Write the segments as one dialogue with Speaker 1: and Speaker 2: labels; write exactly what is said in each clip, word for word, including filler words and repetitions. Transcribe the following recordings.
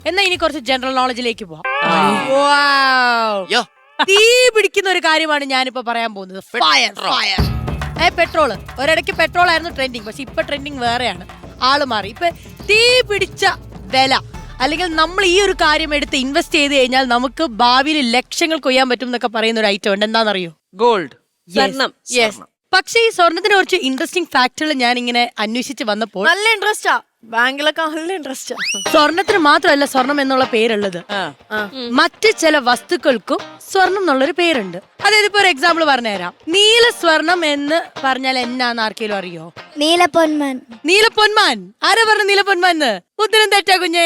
Speaker 1: എന്നാ ഇനി കുറച്ച് ജനറൽ നോളജിലേക്ക് പോവാം.
Speaker 2: യോ.
Speaker 1: തീ പിടിക്കുന്ന ഒരു കാര്യമാണ് ഞാനിപ്പോ പറയാൻ പോകുന്നത്. Fire fire a petrol. ഒരിടയ്ക്ക് പെട്രോൾ ആയിരുന്നു ട്രെൻഡിങ്, പക്ഷെ ഇപ്പൊ ട്രെൻഡിങ് വേറെയാണ്. ആള് മാറി. ഇപ്പൊ തീ പിടിച്ച വില, അല്ലെങ്കിൽ നമ്മൾ ഈ ഒരു കാര്യം എടുത്ത് ഇൻവെസ്റ്റ് ചെയ്ത് കഴിഞ്ഞാൽ നമുക്ക് ഭാവിയിൽ ലക്ഷങ്ങൾ കൊയ്യാൻ പറ്റും എന്നൊക്കെ പറയുന്ന ഒരു ഐറ്റം ഉണ്ട്. എന്താണെന്നറിയോ?
Speaker 3: ഗോൾഡ്.
Speaker 1: സ്വർണം. യെസ്. പക്ഷെ ഈ സ്വർണത്തിന് കുറച്ച് ഇൻട്രസ്റ്റിംഗ് ഫാക്ടുകൾ ഞാൻ ഇങ്ങനെ അന്വേഷിച്ച് വന്നപ്പോൾ
Speaker 4: നല്ല ഇൻട്രസ്റ്റാ, ബാങ്കിലൊക്കെ നല്ല ഇൻട്രസ്റ്റാ.
Speaker 1: സ്വർണത്തിന് മാത്രമല്ല സ്വർണം എന്നുള്ള പേരുള്ളത്, മറ്റ് ചില വസ്തുക്കൾക്കും സ്വർണം എന്നുള്ളൊരു പേരുണ്ട്. അതായത് ഇപ്പൊ ഒരു എക്സാമ്പിൾ പറഞ്ഞുതരാം. നീല സ്വർണം എന്ന് പറഞ്ഞാൽ എന്നാന്ന് ആർക്കെങ്കിലും അറിയോ?
Speaker 5: നീലപ്പൊന്മാൻ.
Speaker 1: നീലപ്പൊന്മാൻ. ആരാ പറഞ്ഞ നീലപ്പൊന്മാൻ എന്ന്? ഉത്തരം തെറ്റാ കുഞ്ഞേ.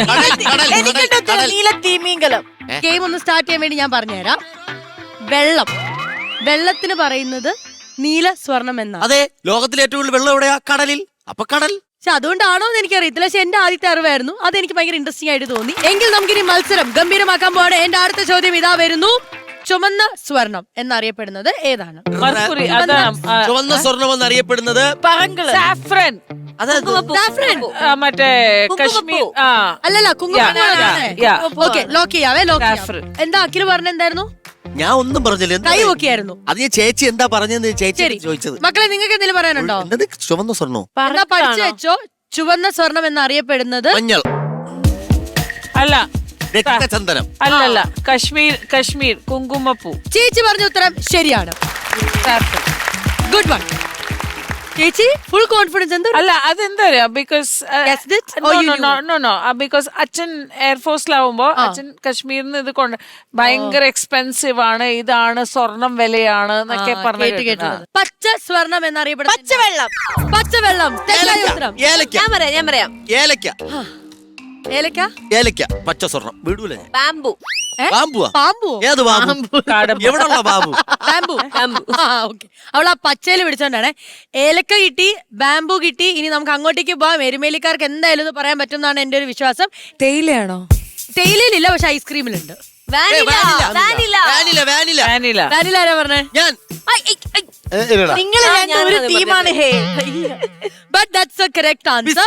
Speaker 4: നീല തീമീങ്കലം.
Speaker 1: ഗെയിം ഒന്ന് സ്റ്റാർട്ട് ചെയ്യാൻ വേണ്ടി ഞാൻ പറഞ്ഞുതരാം. വെള്ളം, വെള്ളത്തിന് പറയുന്നത് നീല സ്വർണം എന്നാ.
Speaker 2: അതെ, ലോകത്തിലെ ഏറ്റവും കൂടുതൽ വെള്ളം എവിടെയാ? കടലിൽ. അപ്പൊ കടൽ.
Speaker 1: പക്ഷെ അതുകൊണ്ടാണോ എന്ന് എനിക്കറിയത്തില്ല. പക്ഷെ എന്റെ ആദ്യത്തെ അറിവായിരുന്നു, അതെനിക്ക് ഭയങ്കര ഇൻട്രസ്റ്റിംഗ് ആയിട്ട് തോന്നി. എങ്കിൽ നമുക്കിനി മത്സരം ഗംഭീരമാക്കാൻ പോവാണ്. എന്റെ അടുത്ത ചോദ്യം ഇതാ വരുന്നു. ചുമന്ന സ്വർണം എന്നറിയപ്പെടുന്നത് ഏതാണ്?
Speaker 3: മർക്കുറി. അതാണ്
Speaker 2: ചുവന്ന സ്വർണം എന്നറിയപ്പെടുന്നത്
Speaker 3: സാഫ്രൻ.
Speaker 1: സാഫ്രൻ.
Speaker 3: മറ്റേ കശ്മീർ. ആ
Speaker 1: അല്ലല്ല, കുങ്കുമം.
Speaker 3: yeah.
Speaker 1: ഓക്കെ, ലോക്ക് ചെയ്യാവേ. ലോക്ക് ചെയ്യാം. എന്താ അഖില് പറഞ്ഞ എന്തായിരുന്നു?
Speaker 2: ഞാൻ ഒന്നും പറഞ്ഞില്ല.
Speaker 1: കൈ നോക്കിയായിരുന്നു.
Speaker 2: അത് ഞാൻ ചേച്ചി എന്താ പറഞ്ഞെന്ന് ചേച്ചി ചോദിച്ചത്.
Speaker 1: മക്കളെ, നിങ്ങൾക്ക് എന്തെങ്കിലും പറയാനുണ്ടോ?
Speaker 2: എന്നത് ചുവന്ന സ്വർണ്ണോ?
Speaker 1: എന്നാ പഠിച്ചു വെച്ചോ. ചുവന്ന സ്വർണം എന്നറിയപ്പെടുന്നത്
Speaker 2: മഞ്ഞൾ.
Speaker 3: അല്ല,
Speaker 2: രക്തചന്ദനം.
Speaker 3: അല്ലല്ല, കശ്മീർ. കശ്മീർ കുങ്കുമപ്പൂ.
Speaker 1: ചേച്ചി പറഞ്ഞ ഉത്തരം ശരിയാണ്. ഗുഡ് വൺ ചേച്ചി. Full confidence. എന്താ?
Speaker 3: അല്ല, അതെന്താ പറയാ, ബിക്കോസ് നോ നോ ബിക്കോസ് അച്ഛൻ എയർഫോഴ്സിലാവുമ്പോ അച്ഛൻ കാശ്മീരിന്ന് ഇത് കൊണ്ട് ഭയങ്കര എക്സ്പെൻസീവ് ആണ്, ഇതാണ് സ്വർണം വിലയാണ് എന്നൊക്കെ പറഞ്ഞു.
Speaker 1: പച്ച സ്വർണം എന്നറിയപ്പെടുന്നത്
Speaker 4: പച്ചവെള്ളം.
Speaker 1: പച്ചവെള്ളം. തെറ്റായ ഉത്തരം.
Speaker 2: ഏലക്ക.
Speaker 4: ഞാൻ പറയാം ഞാൻ പറയാം
Speaker 2: ഏലക്ക.
Speaker 1: ഏലക്ക.
Speaker 2: ഏലക്ക. പച്ച സ്വർണം വിടൂലേ?
Speaker 4: ബാംബു.
Speaker 2: ബാമ്പുവാ?
Speaker 1: പാമ്പു.
Speaker 2: ഏത് ബാമ്പു? എവിടെയുള്ള ബാബു?
Speaker 1: ബാംബു. ഓക്കെ. അവൾ ആ പച്ചയില് പിടിച്ചോണ്ടാണ്. ഏലക്ക കിട്ടി, ബാംബു കിട്ടി. ഇനി നമുക്ക് അങ്ങോട്ടേക്ക് പോവാം. എരുമേലിക്കാർക്ക് എന്തായാലും ഇത് പറയാൻ പറ്റും എന്നാണ് എന്റെ ഒരു വിശ്വാസം.
Speaker 4: തേയിലയാണോ?
Speaker 1: തേയിലയിലില്ല, പക്ഷെ ഐസ്ക്രീമിലുണ്ട്.
Speaker 2: വാനില. വാനില.
Speaker 1: വാനില ആരാ പറഞ്ഞേ?
Speaker 2: ഞാൻ.
Speaker 4: നിങ്ങൾ ഒരു ടീമാണ്. Hey,
Speaker 1: but that's a correct answer.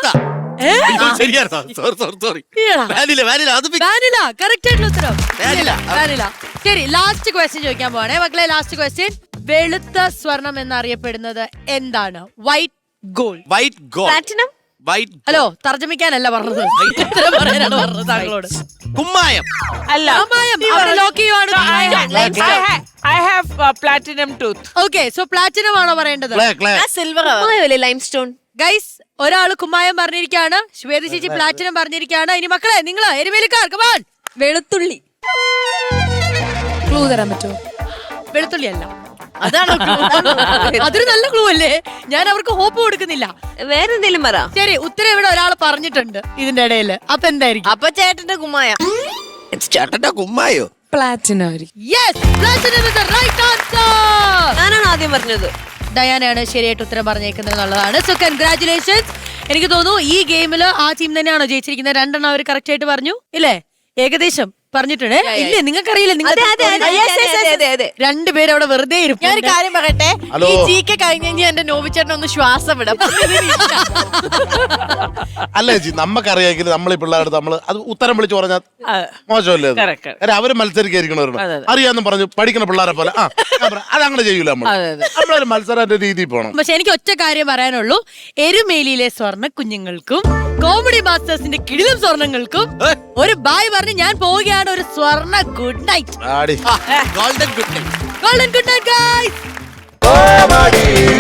Speaker 1: Vanilla correct ആയിട്ടുള്ള ഉത്തരം. വാനില. ശരി, ലാസ്റ്റ് ക്വസ്റ്റ്യൻ ചോദിക്കാൻ പോവാണേ മക്കളെ. Last question. വെളുത്ത സ്വർണം എന്നറിയപ്പെടുന്നത് എന്താണ്? White gold.
Speaker 2: White gold.
Speaker 4: Platinum.
Speaker 2: White.
Speaker 1: Hello, തർജ്ജമിക്കാനല്ല പറഞ്ഞത്, ഉത്തരം പറയാനാണ് പറഞ്ഞത് താങ്കളോട്.
Speaker 2: കുമ്മായം.
Speaker 3: അല്ല,
Speaker 1: ലോക്ക് ചെയ്യുവാണ്.
Speaker 3: I have platinum tooth.
Speaker 1: Okay, so platinum ആണോ പറയേണ്ടത്?
Speaker 4: സിൽവർ. Lime stone.
Speaker 1: ഗൈസ്, ഒരാള് കുമ്മായം പറഞ്ഞിരിക്കുകയാണ്, ശ്വേത ചേച്ചി പ്ലാറ്റിനം പറഞ്ഞിരിക്കുകയാണ്. ഇനി മക്കളെ, നിങ്ങള് എരുമേലിക്കാർ കമാൺ.
Speaker 4: വെളുത്തുള്ളി. ക്ലൂ തരാൻ പറ്റുമോ?
Speaker 1: വെളുത്തുള്ളി അല്ല. അതാണ് അതൊരു നല്ല ക്ലൂ അല്ലേ? ഞാൻ അവർക്ക് ഹോപ്പ് കൊടുക്കുന്നില്ല.
Speaker 4: വേറെ എന്തെങ്കിലും പറ.
Speaker 1: ശരി, ഉത്തരം ഇവിടെ ഒരാൾ പറഞ്ഞിട്ടുണ്ട് ഇതിന്റെ ഇടയിൽ. അപ്പൊ എന്തായിരിക്കും?
Speaker 4: അപ്പൊ ചേട്ടന്റെ കുമ്മായ.
Speaker 2: ചേട്ടന്റെ കുമ്മായോ?
Speaker 4: Platinum.
Speaker 1: Yes, platinum is the right answer.
Speaker 4: ഞാനാണ് ആദ്യം പറഞ്ഞത്.
Speaker 1: ഡയാനയാണ് ശരിയായിട്ട് ഉത്തരം പറഞ്ഞേക്കുന്നത് എന്നുള്ളതാണ്. So congratulations. എനിക്ക് തോന്നുന്നു ഈ ഗെയിമില് ആ ടീം തന്നെയാണോ ജയിച്ചിരിക്കുന്നത്? രണ്ടെണ്ണം അവർ കറക്റ്റ് ആയിട്ട് പറഞ്ഞു ഇല്ലേ? ഏകദേശം പറഞ്ഞിട്ടുണ്ട്. ഇല്ലേ, നിങ്ങൾക്കറിയില്ല. രണ്ടുപേരും അവിടെ വെറുതെ ഇരിക്കും.
Speaker 4: ഞാനൊരു കാര്യം പറയട്ടെ, ഈ ജി കെ കഴിഞ്ഞ് കഴിഞ്ഞാൽ എന്റെ നോവിച്ചേട്ടൻ ഒന്ന് ശ്വാസം വിടാം.
Speaker 6: അല്ല ചേച്ചി, നമ്മക്കറിയാമെങ്കിൽ നമ്മൾ ഈ പിള്ളേരുടെ നമ്മള് അത് ഉത്തരം വിളിച്ചു പറഞ്ഞാൽ മോശമല്ലേ? കാര്യം അവര് മത്സരിക്കായിരിക്കണവരുണ്ട്. അറിയാന്നും പറഞ്ഞു പഠിക്കുന്ന പിള്ളേരെ പോലെ ആ അതങ്ങനെ ചെയ്യൂല. നമ്മൾ നമ്മളൊരു മത്സരത്തിന്റെ രീതിയിൽ പോകണം.
Speaker 1: പക്ഷെ എനിക്ക് ഒറ്റ കാര്യം പറയാനുള്ളൂ. എരുമേലിയിലെ സ്വർണ്ണ കുഞ്ഞുങ്ങൾക്കും കോമഡി മാസ്റ്റേഴ്സിന്റെ കിടിലം സ്വർണ്ണങ്ങൾക്കും ഒരു ബായ് പറഞ്ഞ് ഞാൻ പോവുകയാണ്. ഒരു സ്വർണ്ണ good night.
Speaker 2: Golden good night.
Speaker 1: Golden good night guys.